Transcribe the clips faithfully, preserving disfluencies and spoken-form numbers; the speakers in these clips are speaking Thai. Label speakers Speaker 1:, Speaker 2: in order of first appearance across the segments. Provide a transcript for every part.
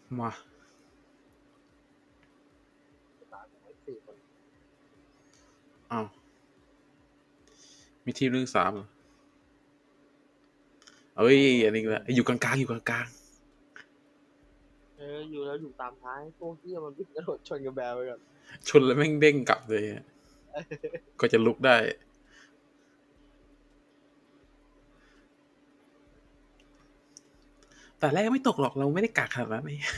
Speaker 1: มาอ้าวมีทีมหนึ่งสามเหรอเอ้ยอันนี้ละอยู่กลางๆอยู่กลาง
Speaker 2: เอออยู่แล้วอยู่ตามท้ายพวกที่มันวิ่งกระโดดชนกับแบลไปก่อน
Speaker 1: ๆชนแล้วแม่งเด้งกลับเลยก็จะลุกได้แต่แรกไม่ตกหรอกเราไม่ได้กากขนาดนั้นนี่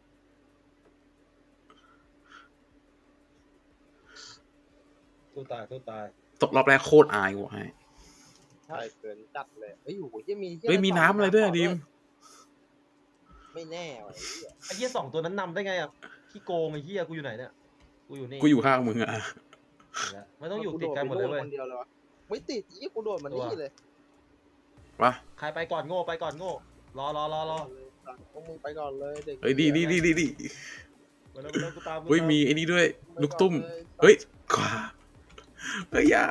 Speaker 3: ตู้ตายตู้ตาย
Speaker 1: ตกรอบแรกโคตรอายว่ะให้
Speaker 2: ใช่เกินจัดเลยเฮ้ยโอ้โหยังมี
Speaker 1: เฮ้ยมีน้ำอะไรด้วยดิม
Speaker 2: ไม่แน่ว่ะ
Speaker 3: ไอ้เหี้ยสองตัวนั้นนำได้ไงอ่ะขี้โกงไอ้เหี้ยกูอยู่ไหนเนี่ยกูอยู่นี่
Speaker 1: กูอยู่ข้างมึงอ่ะ
Speaker 3: ไม่ต้องอยู่ติดกันหมดเลยเว้ย
Speaker 2: ไม่ติดยี่กูโดดมันนี่เลยว
Speaker 1: ะ
Speaker 3: ใครไปก่อนโง่ไปก่อนโง่รอรอรอรอ
Speaker 2: พวกมึงไปก่อนเลยเด็ก
Speaker 1: เฮ้ยดีดีดีดีดี
Speaker 3: มาแล้วมาแล้วกูตาม
Speaker 1: เฮ้ยมีไอ้นี่ด้วยลูกตุ้มเฮ้ยขวาเฮ้ยยา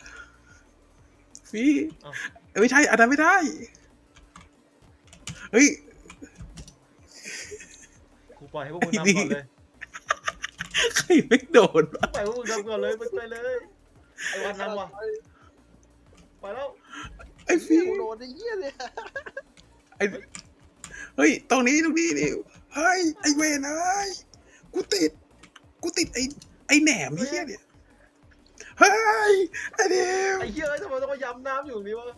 Speaker 1: พี่ไม่ใช่อันนั้นไม่ได้เฮ้ย
Speaker 3: กูปล่อยให้พวกมึงนำก่อนเลย
Speaker 1: ใครไม่โดน
Speaker 3: ปล่อยพวกมึงนำก่อนเลยไปไปเลยไอ้วันนำว่ะไปแล้ว
Speaker 1: ไอ้พี่
Speaker 2: โดนไอ้เหี้ยเลย
Speaker 1: ไอ้เฮ้ยตรงนี้ตรงนี้ดิเฮ้ยไอ้เวนเอ้ยกูติดกูติดไอ้ไอ้แหนมเหี้ยเนี่ยเฮ้ยไอ้เดียว
Speaker 3: ไอ้เหี้ยทำไมต้องมาย้ำน้ำอยู่ตรงนี้วะ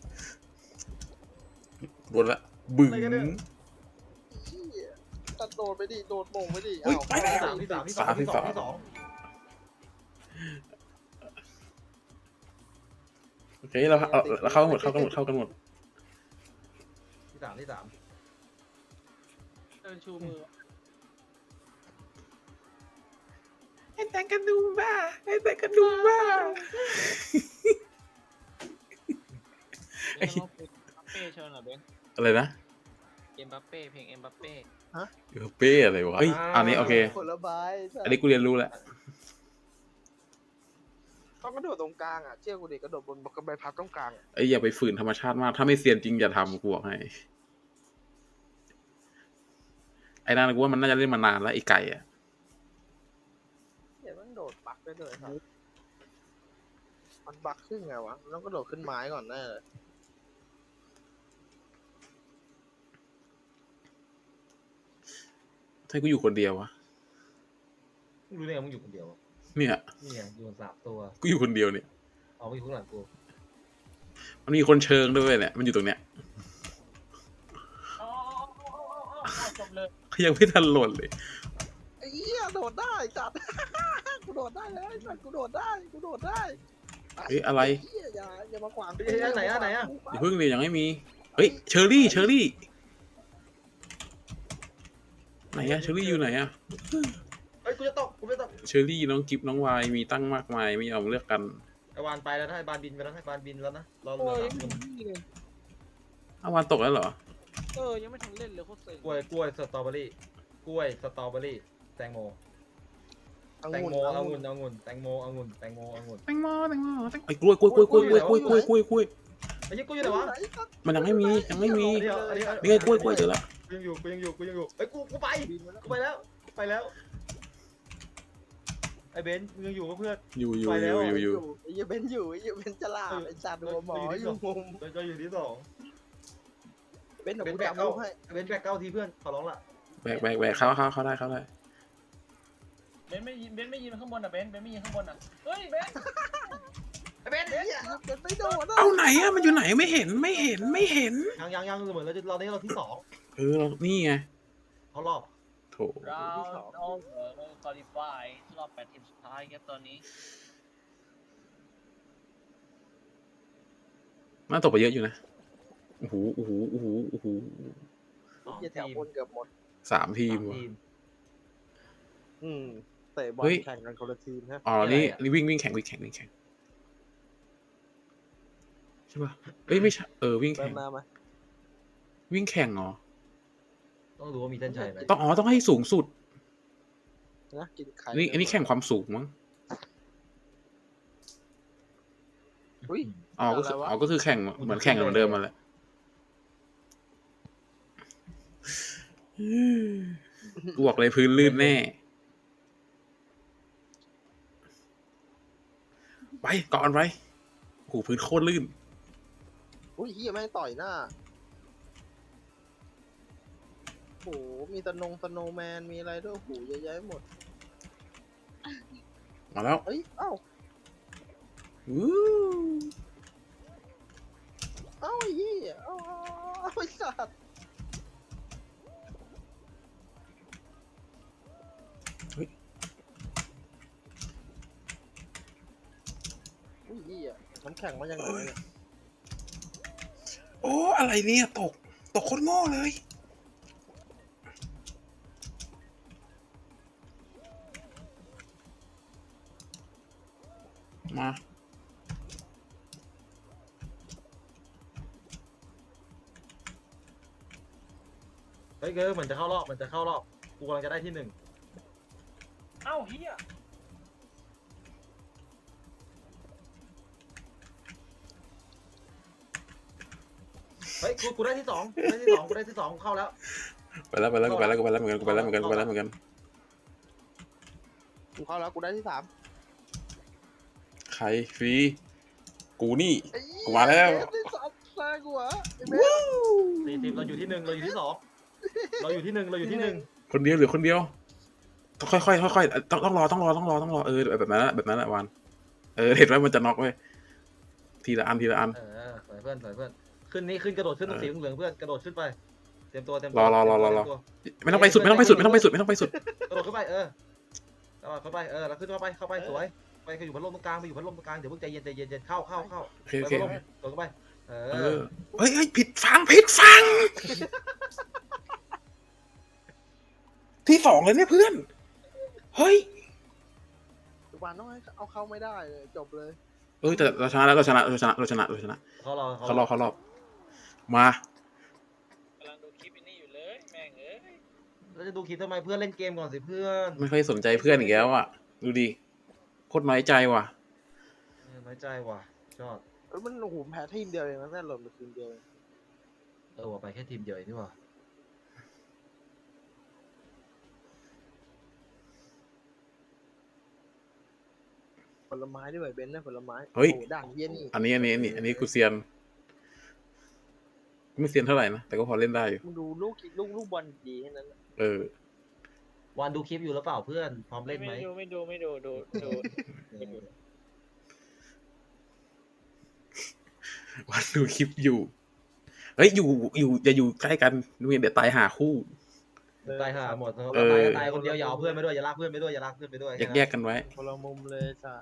Speaker 1: โดนละบึ้ง
Speaker 2: ตัดโดดไปดิโดดโป่งไปดิ
Speaker 1: ไปแล้ว
Speaker 3: สามที่สามที่สามที่สองที่สอง
Speaker 1: โอเคเราเราเข้ากันหมดเข้ากันหมดเข้ากันหมด
Speaker 3: ที่สามที่สาม
Speaker 2: เดินชูมือ
Speaker 1: ไอ้แต่งกันดูบ้าไอ้แต่งกันดูบ้า
Speaker 2: เอ็มบัปเป้เชิญหน่อยเบน
Speaker 1: อะไรนะ
Speaker 2: เอ็มบัปเป้เพลงเอ็มบัปเป้
Speaker 1: ฮะเอ็มบัปเป้อะไรวะเฮ้ยอันนี้โอเค
Speaker 2: ผลไม้
Speaker 1: อันนี้กูเรียนรู้แล้ว
Speaker 2: ต้องกระโดดตรงกลางอ่ะเชี่ยกูเด็กกระโดดบนกระใบพัดตรงกลาง
Speaker 1: ไอ้อย่าไปฝืนธรรมชาติมากถ้าไม่เซียนจริงอย่าทำกูบอกให้ไอ้นั่นกูว่ามันน่าจะเล่นมานานแล้วไอ้ไก่อะ
Speaker 2: เดี๋ยวมันโดดบักได้เลยครับมันบักขึ้นไงวะมันต้องกระโดดขึ้นไม้ก่อนแน่เลย
Speaker 1: ถ้ากูอยู่คนเดียววะ
Speaker 3: รู้ได้ไงมึงอยู่คนเดียว
Speaker 1: เนี่ย
Speaker 3: นี่ไงอยู่สามตัว
Speaker 1: กูอยู่คนเดียวเนี่ย
Speaker 3: เอาไปอยู่ข้างหลังกู
Speaker 1: มันมีคนเชิงด้วยเนี่ยมันอยู่ตรงเนี้ยยังไม่ทันหล่นเลย
Speaker 2: ไอ้เหี้ยโดดได้จัดกูโดดได้เลยจัดกูโดดได้กูโดดได้
Speaker 1: เฮ้ยอะไร
Speaker 2: อย่าอย่ามาขวาง
Speaker 3: ไอ้ไหนอะไหนอะ
Speaker 1: อย่าเพิ่งเลยยังไม่มีเฮ้ยเชอรี่เชอรี่ไหนอะเชอรี่อยู่ไหนอะ
Speaker 3: เฮ้ยกูจะตกกูจะตก
Speaker 1: เชอรี่น้องกิฟน้องวายมีตั้งมากมายไม่ยอมเลือกกัน
Speaker 3: ไอวานไปแล้วนะไอบานบินไปแล้วให้บานบินแล้วนะรอเหลือสามคน
Speaker 1: อาวานตกแล้วเหรอ
Speaker 2: เออยังไม่ทันเล่นเลยโคตรเซ็ง
Speaker 3: กล้วยกล้วยสตรอเบอรี่กล้วยสตรอเบอรี่แตงโมแตงโมองุ่นองุ่นแตงโมองุ่นแตงโมองุ่น
Speaker 1: แตงโมแตงโมแตงไอ้กล้วยกล้วยกล้วยกล้วยกล้วยกล้วยกล้วยกล้วยกล้วย
Speaker 3: ไอ้ยี่กล้วยอยู่ไหนวะ
Speaker 1: มันยังไม่มียังไม่มีนี่ไงกล้วยกล้วยเจอแล้ว
Speaker 3: กูยังอยู่กูยังอยู่กูยังอยู่ไอ้กูกูไปกูไปแล้วไปแล้วไอ้เบนซ์มึงยังอยู่กับเพื่อน
Speaker 1: อยู่อยู่อยู่อยู่อยู่
Speaker 2: ไอ้เบนอยู่ไอ้เบนจะลาไอ้จัดหัวหมออยู่มุม
Speaker 3: ก็อยู่ที่สอง
Speaker 2: เบนซ์แบกเก้าให้
Speaker 3: เบนซ์แบกเก้าทีเพื่อนขอร้องละ
Speaker 1: แบกแบกแบกเข้าเข้าเข้าได้เข้าได้
Speaker 4: เบนไม่ยินเบนไม่ยินข้างบนอ่ะเบนเบนไม่ยินข้างบนอ่ะเฮ้ยเบน
Speaker 2: ไอ้เบนเบนเบนไม่โดน
Speaker 1: เอาไหนอะมันอยู่ไหนไม่เห็นไม่เห็นไม่เห็น
Speaker 3: ยังยังยังเหมือนเราจะเราเนี่ยเราที่สอง
Speaker 1: เออนี่ไง
Speaker 3: เขารอบ
Speaker 1: โถ
Speaker 4: เราเราเออเราคอลี่ฟายรอบแปดทีมสุดท้ายครับตอนนี้
Speaker 1: น่าตกไปเยอะอยู่นะโอ้โหโอ้โหโอ้โหโอ้โห
Speaker 2: แถวบนเกือบหมด
Speaker 1: สามทีม
Speaker 2: อืมเตะบอลแข่งกันคนละทีมฮะ
Speaker 1: อ๋อนี่นี่วิ่งวิ่งแข่งวิ่งแข่งวิ่งแข่งใช่ป่ะเอ้ยไม่ใช่เออวิ่งแข่งวิ่งแข่งเหรอ
Speaker 3: ต้องรู้ว่ามีเส้นชัยไหม
Speaker 1: ต้องอ๋อต้องให้สูงสุด
Speaker 2: นะกินไข่
Speaker 1: นี่อันนี้แข่งความสูงมั้งอ๋อก็คืออ๋อก็คือแข่งเหมือนแข่งเหมือนเดิมมาแหละกูบอกเลยพื้นลื่นแน่ไปก่อนไปโอ้โหพื้นโคตรลื่น
Speaker 2: อุ้ยเฮียแม่งต่อยหน้าโอ้โหมีตะนงตะโนแมนมีอะไรด้วยโอ้โหเยอะแยะหมด
Speaker 1: มาแล้ว
Speaker 2: เอ้ยเอ้า
Speaker 1: อู้
Speaker 2: เอ้าไอ้เหี้ยเอ้าเอ้าเอ้าไอ้สัตว์อุ้ยเหี้ยน้ำแข็งมาจากไหนเนี่ย
Speaker 1: โอ้อะไรเนี่ยตกตกโคตรโง่เลยมา
Speaker 3: เฮ้ยเกอร์เหมือนจะเข้ารอบเหมือนจะเข้ารอบกูกำลังจะได้ที่หนึ่ง
Speaker 4: เอ้าเฮีย
Speaker 3: เฮ้ยกูกูได้ที่สองกูได้ที่สองกูได้ที่สองกูเข้าแล้ว
Speaker 1: ไปแล้วไปแล้วกูไปแล้วกูไปแล้วเหมือนกันกูไปแล้วเหมือนกันกูไปแล้วเหมือนกัน
Speaker 2: กูเข้าแล้วกูได้ที่สาม
Speaker 1: ใครฟรีกูนี่
Speaker 2: ไอ้เหี้ย
Speaker 1: กูมาแล้ว
Speaker 2: เบสได้สามแซงกูเหรอไอ้เบส
Speaker 3: สี่สิบเราอยู่ที่หนึ่งเราอยู่ที่สองเราอยู่ที่หนึ่งเราอยู่ที่หนึ่ง
Speaker 1: คนเดียวหรือคนเดียวต้องค่อยๆค่อยๆต้องต้องรอต้องรอต้องรอต้องรอเออแบบนั้นแหละแบบนั้นแหละวันเออเห็นไหมมันจะน็อกเว้ยทีละอันทีละอัน
Speaker 3: เออสวยเพื่อนสวยเพื่อนขึ้นนี่ขึ้นกระโดดขึ้นตรงสีเหลืองเพื่อนกระโดดขึ้นไปเตรียมตัวเตรียมตัว
Speaker 1: รอรอรอรอรอ
Speaker 3: เตยมตัว
Speaker 1: ไม่ต้องไปสุดไม่ต้องไปสุดไม่ต้องไปสุดไม่ต้องไปสุด
Speaker 3: กระโดดขึ้นไปเออกระโดดเข้าไปเออแล้วขึ้นเข้าไปเข้าไปสวยไปก็อยู่พัดลมตรงกลางไปอยู่พัดลมตรงกลางเดี๋ยวเพิ่งใจเย็นใจเย็นใจเย็นเข้าเข้าเข้า
Speaker 1: โอเค
Speaker 3: ไป
Speaker 1: โอเค
Speaker 3: พัดลมโดดเข้าไปเอ
Speaker 1: เอ
Speaker 3: อ
Speaker 1: อเฮ้ยเฮ้ยผิดฟังผิดฟัง ที่สองเลยเนี่ยเพื่อนเฮ้ย
Speaker 2: ทุกวันต้องให้เอาเข้าไม่ได้เลยจบเลย
Speaker 1: เออแต่เราชนะแล้วเราชนะเราชนะเราชนะเราชนะ
Speaker 3: เขารอ
Speaker 1: เขารอบเขารอบมา
Speaker 4: กำลังดูคลิปนี้อยู่เลยแม่งเอ้ย
Speaker 3: เราจะดูคลิปทำไมเพื่อนเล่นเกมก่อนสิเพื่อน
Speaker 1: ไม่ค่อยสนใจเพื่อนอีกแล้วอ่ะดูดิโคตรน้อยใจว่ะ
Speaker 3: เออน้อยใจว่ะชอบ
Speaker 2: เอ้ยมันโอ้โหแพ้ทีมเดียวเองนะแน่หล่นไปทีมเดียวเอง
Speaker 3: เออว่าไปแค่ทีมเดียวเองนี่หว่า
Speaker 2: ผลไม้ด้วยเบนซ์นะผลไม้
Speaker 1: เฮ้ย
Speaker 2: โอ้ด่างเยี่ยนี่
Speaker 1: อันนี้อันนี้อันนี้อันนี้กูเซียนไม่เซียนเท่าไหร่นะแต่ก็พอเล่นได้อยู่
Speaker 2: มึงดูลูกลูกลูกบอลดีแค่นั้นนะ
Speaker 1: เออ
Speaker 3: วันดูคลิปอยู่หรือเปล่าเพื่อนพร้อมเล่นไหม
Speaker 4: ไม่ดูไม่ดูไม่ดูดูดู
Speaker 1: วันดูคลิปอยู่เฮ้ยอยู่อยู่อย่าอยู่ใกล้กันดูเดี๋ยวตายหาคู่
Speaker 3: ตายห่าหมด
Speaker 1: เออ
Speaker 3: ตายตายคนเดียวอย่าเอาเพื่อนไปด้วยอย่าลากเพื่อนไปด้วยอย่าลากเพื่อนไปด้วย
Speaker 1: แยกแยกกันไว้
Speaker 2: คนละมุมเลยจ้ะ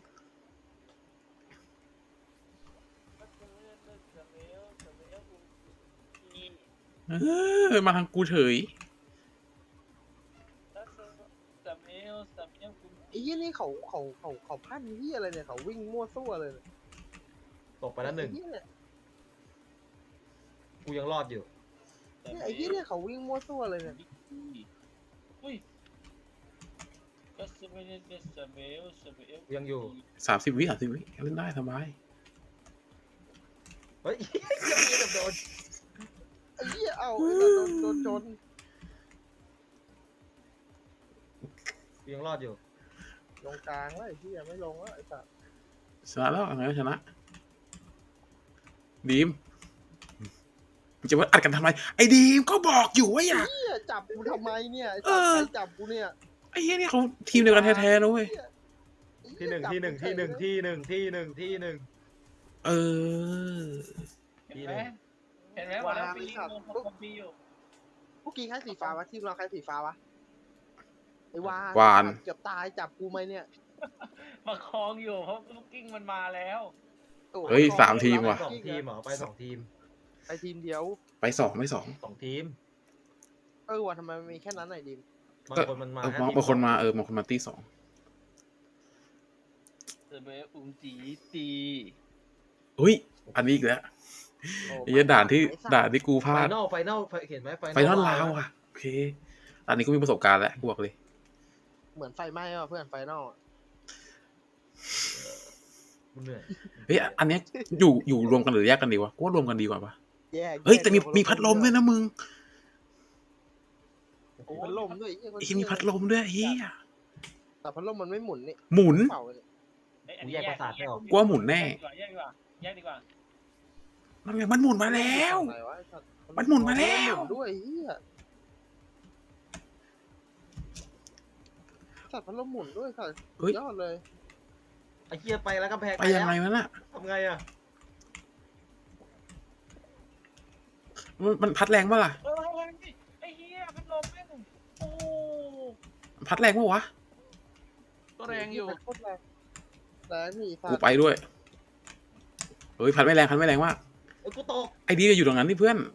Speaker 1: เออมาทางกูเฉย
Speaker 2: ไอ้ยี่นี่เขาเขาเขาเขาพันที่อะไรเนี่ยเขาวิ่งมั่วซั่วเลยเนี่ย
Speaker 3: ตกไปแล้วหนึ่ง
Speaker 2: ไอ้เหี้ยเนี่ย
Speaker 3: กูยังรอดอยู่
Speaker 2: เนี่ยไอ้ยี่เนี่ยเขาวิ่งมั่วซั่วเลยเนี่ย
Speaker 4: อุ้ย
Speaker 3: ยังอยู่
Speaker 1: สามสิบวิสามสิบวิเล่นได้สบาย
Speaker 3: เฮ้ยยังมีกับโดน
Speaker 2: ไอ้ยี่เอาไอ้สัตว์โดนโดนชน
Speaker 3: กูยังรอดอยู่
Speaker 2: ลงกลางแล้วไอ้ยี่ไม่ลงแล้วไอ้สัตว์
Speaker 1: ชนะแล้วอะไรก็ชนะดีมมึงจะมาอัดกันทำไมไอ้ดีมก็บอกอยู่ว่าอยาก
Speaker 2: เหี้ยจับกูทำไมเนี่ยไอ้สัตว์ใครจับกูเนี่ย
Speaker 1: ไอ้เหี้ยนี่เขาทีมเดียวกันแท้ๆนะเว้ย
Speaker 3: ที่หนึ่งที่หนึ่งที่หนึ่งที่หนึ่งที่หนึ่งที่หนึ่ง
Speaker 1: เออ
Speaker 4: เห็นไหมเห็นไหมวันแล้วปีลงคอมปีอยู่
Speaker 2: พวกกี้ใครสีฟ้าวะทีมเราใครสีฟ้าวะไอ้วาน
Speaker 1: วาน
Speaker 2: เกือบตายจับกูไหมเนี่ย
Speaker 4: มาคลองอยู่เพราะลูกกิ้งมันมาแล้ว
Speaker 2: โอ้
Speaker 1: เฮ้ยสามทีมว่ะ
Speaker 3: สองทีมเหรอไปสองทีม
Speaker 2: ไปทีมเดียว
Speaker 1: ไปสองไม่สอง
Speaker 3: สองทีม
Speaker 2: เออว่ะทำไมมันมีแค่นั้นไหนดิม
Speaker 3: บางคนมันมา
Speaker 1: เออ
Speaker 3: แค่
Speaker 1: บาง
Speaker 3: ที
Speaker 1: บางคนมาเออบางคนมาตีสอง
Speaker 4: เซเบอุ้มจีตี
Speaker 1: อุ้ยอันนี้อีกแล้ว
Speaker 2: โอ้
Speaker 1: ไอ้เหี้ยด่านที่ด่านที่กูพ
Speaker 3: ไฟ
Speaker 1: ลาด
Speaker 3: นอลไฟนอลเห็นไหมไฟ
Speaker 1: ไฟนอลลาวอ่ะโอเคอันนี้ก็มีประสบการณ์แล้วกูบอกเลย
Speaker 2: เหมือนไฟไหม้ว่ะเพื่อนไฟนอลอะ
Speaker 3: กูเหนื่อย
Speaker 1: เฮ้ยอันเนี้ยอยู่อยู่รวมกันหรือแยกกันดีวะกูว่ารวมกันดีกว่าปะ
Speaker 2: แยก
Speaker 1: เฮ้ยแต่มี
Speaker 2: แก
Speaker 1: มีพัดลมด้วยนะมึง
Speaker 4: โอ้
Speaker 2: พัดลมด้วยไอ้
Speaker 1: ไอ้ที่มีพัดลมด้วยเฮีย
Speaker 2: แต่พัดลมมันไม่หมุนนี่
Speaker 1: หมุน
Speaker 2: เป่าเลย
Speaker 4: เอ้ยอันนี้แยก
Speaker 1: กลัวหมุนแน่
Speaker 4: แยกดีกว่าแยกดีกว่า
Speaker 1: มันไงมันหมุนมาแล้ว
Speaker 2: อะไรวะไอ้สัตว์
Speaker 1: มันหมุนมาแล้ว
Speaker 2: หมุนด้วยเฮียสัตว์พัดลมหมุนด้วยสัตว์
Speaker 1: เฮ้ย
Speaker 2: ยอดเลย
Speaker 3: ไอ้เหี้ยไปแล้วกำแพง
Speaker 1: ไปยังไง
Speaker 3: แล้ว
Speaker 1: วะน่ะ
Speaker 3: ทำไงอ่ะ
Speaker 1: มันมันพัดแรงปะล่ะ
Speaker 4: เออไอ้เหี้ยพัดลมแม่งโอ้
Speaker 1: พัดแรงปะวะ
Speaker 4: ก็แรงอยู่
Speaker 2: โคตรแรงแรงนี่สัต
Speaker 1: กู
Speaker 2: ว์
Speaker 1: ไปด้วยเฮ้ยพัดไม่แรงพัดไม่แรงมาก
Speaker 3: เอ้ยกูตก
Speaker 1: ไอ้ดีก็อยู่ตรงนั้นที่เพื่อน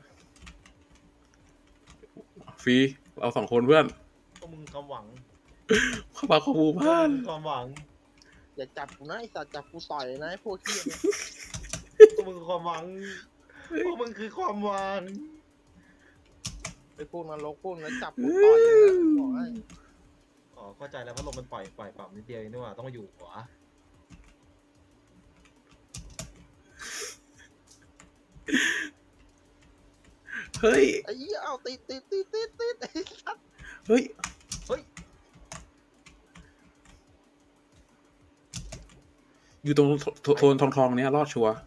Speaker 1: ฟรีเราสองคนเพื่อน
Speaker 3: ก็มึงความหวัง
Speaker 1: เข้ามาเข้าหมู่บ้าน
Speaker 3: ความหวัง
Speaker 2: อย่าจับกูนะไอ้สัตว์จับกูต่อยนะไอ้พวกเฮียเนี่ย
Speaker 3: ก็มึงคือความหวังพวกมึงคือความหวัง
Speaker 2: ไอ้พวกนรกพวกนั้นจับกูต่อยเลยนะบอกให้
Speaker 3: อ๋อเข้าใจแล้วพัดลมมันปล่อยปล่อยปรับนิดเดียวเองนี่หว่าต้องมาอยู่หัว
Speaker 1: เฮ้ย
Speaker 2: ไอ้เหี้ยเอาติดติดติดติดติดไอ้สัตว์
Speaker 1: เฮ้ย
Speaker 3: เฮ้ย
Speaker 1: อยู่ตรงโซโซนทองทองๆเนี้ยรอดชัวร์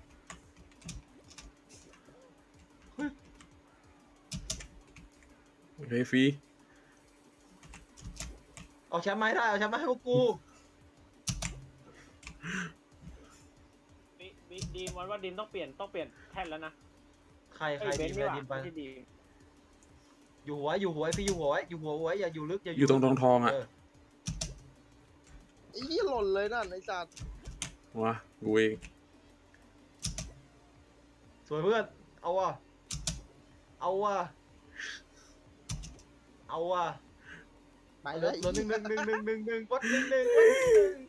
Speaker 1: โอเคฟรี
Speaker 3: เอาแชมป์มาให้ได้เอาแชมป์มาให้พวกกู
Speaker 4: ดีดีดีมันว่าดีมต้องเปลี่ยนต้องเปลี่ยนแท่นแล้วนะ
Speaker 3: ใครใคร
Speaker 4: เอ้ยเบ
Speaker 3: ดี
Speaker 4: น
Speaker 3: ม
Speaker 4: ซ์
Speaker 3: ไป
Speaker 4: นี่หว่า
Speaker 3: ดีมไป
Speaker 4: ไม่ใช่ดีม
Speaker 3: อยู่หัวอยู่หัวไอ้พี่อยู่หัวไว้อยู่หัวไว้อย่าอยู่ลึกอย่า
Speaker 1: อยู่ตรงทองทองๆอ่ะ
Speaker 3: เออ
Speaker 2: ไอ้เหี้ยหล่นเลยนั่นไอ้สัตว์
Speaker 1: วะกูเอง
Speaker 3: สวยเพื่อนเอาว่ะเอาว่ะเอาว่ะ
Speaker 2: ไป
Speaker 3: เห
Speaker 2: เล
Speaker 3: ลือย เหลือหนึ่งหนึ่งหนึ่งหนึ่งหนึ่งหนึ่งวัดหนึ่งหนึ่งวัดหนึ่งหนึ่ง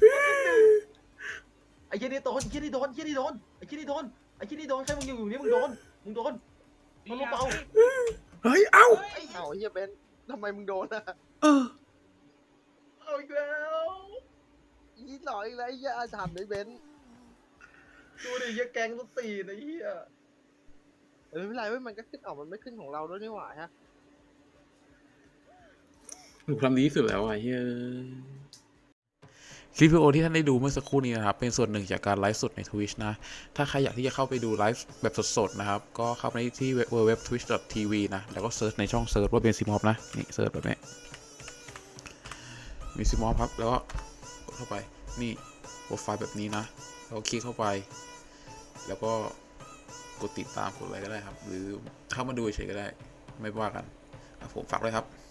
Speaker 3: ไอ้เหี้ยนี่โดนไอ้เหี้ยนี่โดนไอ้เหี้ยนี่โดนไอ้เหี้ยนี่โดนไอ้เหี้ยนี่โดนใครมึงอยู่อยู่นี่มึงโดนมึงโดนมันลูกเบา
Speaker 1: เฮ้ย เอ้า
Speaker 2: เอาไอ้เหี้ยเบนซ์ทำไมมึงโดนอ่ะ
Speaker 1: เออ
Speaker 3: เอาอีกแล้ว
Speaker 2: ยี่หล่ออีกแล้วไอ้เหี้ยอาถรรพ์ไอ้เบนซ์
Speaker 3: ดูดิเหี้ยแกงต้นตีนไอ้เหี้ย
Speaker 2: เออไม่เป็นไรเว้ยมันก็ขึ้นออกมันไม่ขึ้นของเราด้วยนี่หว่าฮะ
Speaker 1: หนูทำดีที่สุดแล้วอ่ะเฮ้ยคลิปวิดีโอที่ท่านได้ดูเมื่อสักครู่นี้นะครับเป็นส่วนหนึ่งจากการไลฟ์สดใน Twitch นะถ้าใครอยากที่จะเข้าไปดูไลฟ์แบบสดๆนะครับก็เข้าไปที่ ดับเบิลยู ดับเบิลยู ดับเบิลยู ดอท ทวิช ดอท ที วี นะแล้วก็เซิร์ชในช่องเซิร์ชว่าเป็นซิมอฟนะนี่เซิร์ชแบบนี้มีซิมอฟครับแล้วก็กดเข้าไปนี่โปรไฟล์แบบนี้นะแล้วก็คลิกเข้าไปแล้วก็กดติดตามกดอะไรก็ได้ครับหรือเข้ามาดูเฉยๆก็ได้ไม่ว่ากันครับผมฝากด้วยครับ